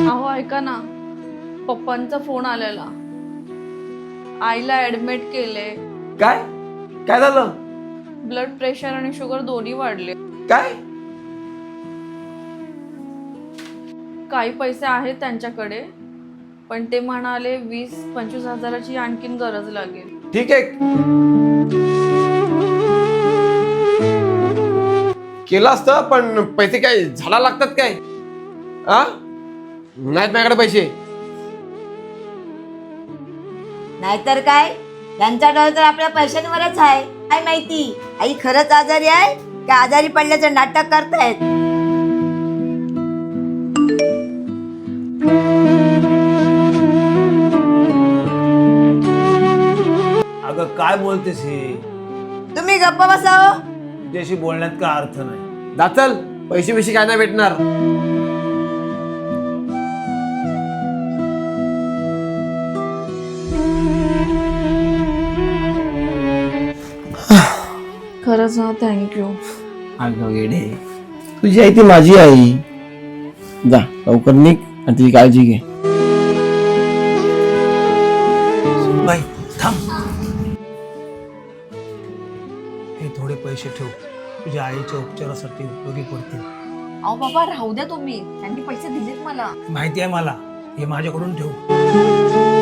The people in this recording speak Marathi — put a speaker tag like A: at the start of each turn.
A: अहो ऐका ना, पप्पांचा फोन आलेला. आईला ऍडमिट केले.
B: काय काय झालं?
A: ब्लड प्रेशर आणि शुगर दोन्ही वाढले.
B: काय?
A: काही पैसे आहेत त्यांच्याकडे, पण ते म्हणाले 20-25 हजाराची आणखीन गरज लागेल.
B: ठीक आहे, केलं असतं, पण पैसे काय झाला लागतात काय? आ नाहीत माझ्याकडे पैसे.
C: नाहीतर काय, त्यांचा डर तर आपल्या पैशांवरच आहे. काय माहिती आई खरंच आजारी आहे का आजारी पडल्याचं नाटक करतायत.
D: अगं काय बोलतेस हे?
C: तुम्ही गप्प बसाव.
D: तुझ्याशी बोलण्यात काय अर्थ नाही.
B: दाचल, पैसे पैसे काय नाही भेटणार.
A: खरंच ना, थँक्यू.
E: अगं वेडे, तुझी आई ती माझी आई. जा लवकर निघ आणि तुझी काळजी घे.
D: बाई थांब, हे थोडे पैसे ठेव, तुझ्या आईच्या उपचारासाठी उपयोगी पडतील.
A: अहो बाबा राहू द्या तुम्ही, त्यांनी पैसे दिलेत मला.
D: माहिती आहे मला, हे माझ्याकडून ठेव.